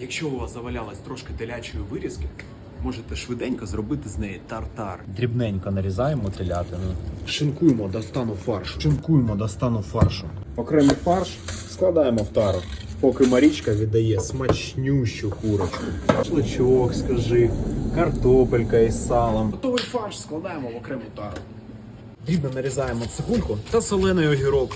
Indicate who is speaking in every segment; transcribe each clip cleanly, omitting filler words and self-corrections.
Speaker 1: Якщо у вас завалялось трошки телячої вирізки, можете швиденько зробити з неї тартар.
Speaker 2: Дрібненько нарізаємо телятину.
Speaker 1: Шинкуємо до стану фаршу.
Speaker 2: Шинкуємо до стану фаршу.
Speaker 1: Окремий фарш складаємо в тару, поки Марічка віддає смачнющу курочку. Шашличок, скажи, картопелька із салом. Готовий фарш складаємо в окрему тару. Дрібно нарізаємо цибульку та солений огірок.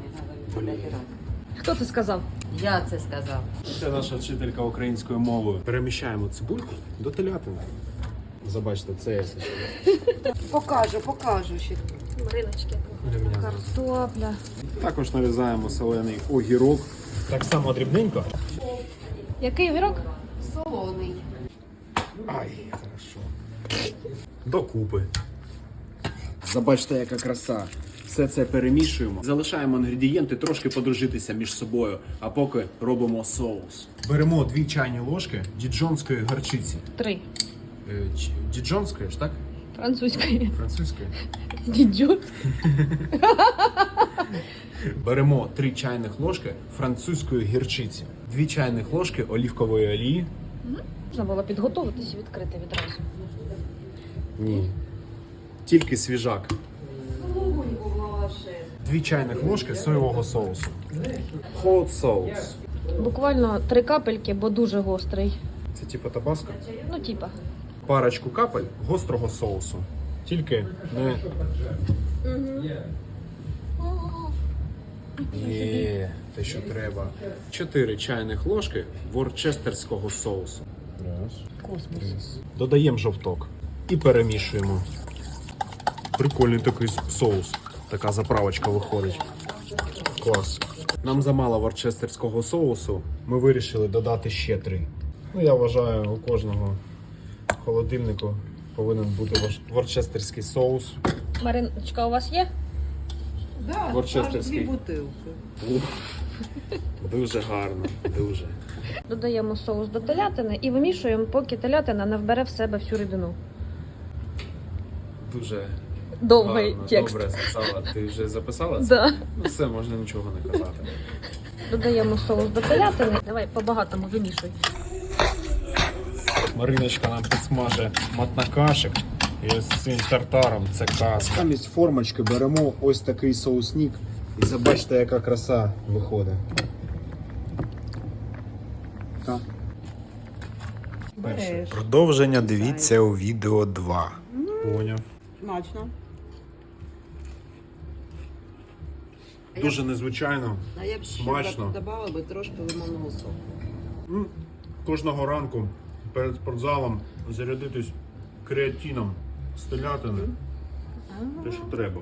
Speaker 3: Хто це сказав?
Speaker 4: Я це сказав.
Speaker 1: Це наша вчителька української мови. Переміщаємо цибульку до телятини. Забачте, це я
Speaker 4: Покажу ще.
Speaker 3: Мариночки. Картопля.
Speaker 1: Також нарізаємо солений огірок. Так само дрібненько.
Speaker 3: Який огірок?
Speaker 4: Солоний.
Speaker 1: Ай, хорошо. Докупи. Забачте, яка краса. Все це перемішуємо. Залишаємо інгредієнти трошки подружитися між собою, а поки робимо соус. Беремо 2 чайні ложки діджонської горчиці.
Speaker 3: 3.
Speaker 1: Діджонської ж, так?
Speaker 3: Французької.
Speaker 1: Французької.
Speaker 3: Дідьо.
Speaker 1: Беремо 3 чайних ложки французької гірчиці, 2 чайних ложки олівкової олії.
Speaker 3: Можна було підготуватися і відкрити відразу.
Speaker 1: Ні. Тільки свіжак. 2 чайних ложки соєвого соусу. Hot соус.
Speaker 3: Буквально 3 капельки, бо дуже гострий.
Speaker 1: Це типу табаско.
Speaker 3: Ну, типа.
Speaker 1: Парочку капель гострого соусу. Тільки не... Є, те, що треба. 4 чайних ложки ворчестерського соусу.
Speaker 3: Космос.
Speaker 1: Додаємо жовток і перемішуємо. Прикольний такий соус. Така заправочка виходить. Клас. Нам замало ворчестерського соусу. Ми вирішили додати ще 3. Ну, я вважаю, у кожного холодильнику повинен бути ворчестерський соус.
Speaker 3: Мариночка, у вас є?
Speaker 4: Да,
Speaker 1: Ворчестерський.
Speaker 4: аж 2 бутилки.
Speaker 1: Дуже гарно, дуже.
Speaker 3: Додаємо соус до телятини і вимішуємо, поки телятина не вбере в себе всю рідину.
Speaker 1: Дуже
Speaker 3: Довгий
Speaker 1: гарно,
Speaker 3: текст.
Speaker 1: добре сказала. Ти вже записала це?
Speaker 3: Да.
Speaker 1: Ну все, можна нічого не казати.
Speaker 3: Додаємо соус до телятини. Давай по-багатому вимішуй.
Speaker 1: Мариночка нам підсмаже матнакашик. І з цим тартаром це казка. Замість формочки беремо ось такий соусник. І забачте, яка краса виходить. Так.
Speaker 4: Береш.
Speaker 2: Продовження дивіться у відео 2.
Speaker 1: Поняв.
Speaker 4: Смачно.
Speaker 1: Дуже незвичайно.
Speaker 4: А я б ще
Speaker 1: Смачно.
Speaker 4: додавала би трошки лимонного соку.
Speaker 1: Кожного ранку перед спортзалом зарядитись креатином з телятини. Те, що треба.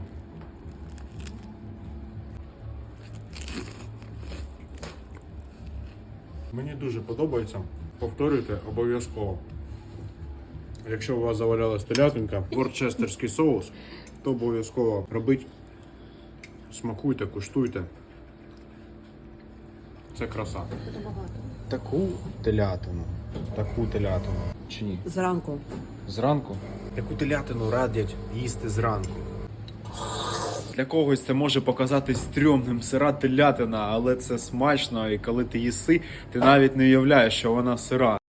Speaker 1: Мені дуже подобається. Повторюйте обов'язково. Якщо у вас завалялась телятинка, ворчестерський соус, то обов'язково робіть. Смакуйте, куштуйте. Це краса. Таку телятину. Чи ні?
Speaker 4: Зранку.
Speaker 1: Зранку? Таку телятину радять їсти зранку. Для когось це може показатись стрьомним, сира телятина, але це смачно, і коли ти їси, ти навіть не уявляєш, що вона сира.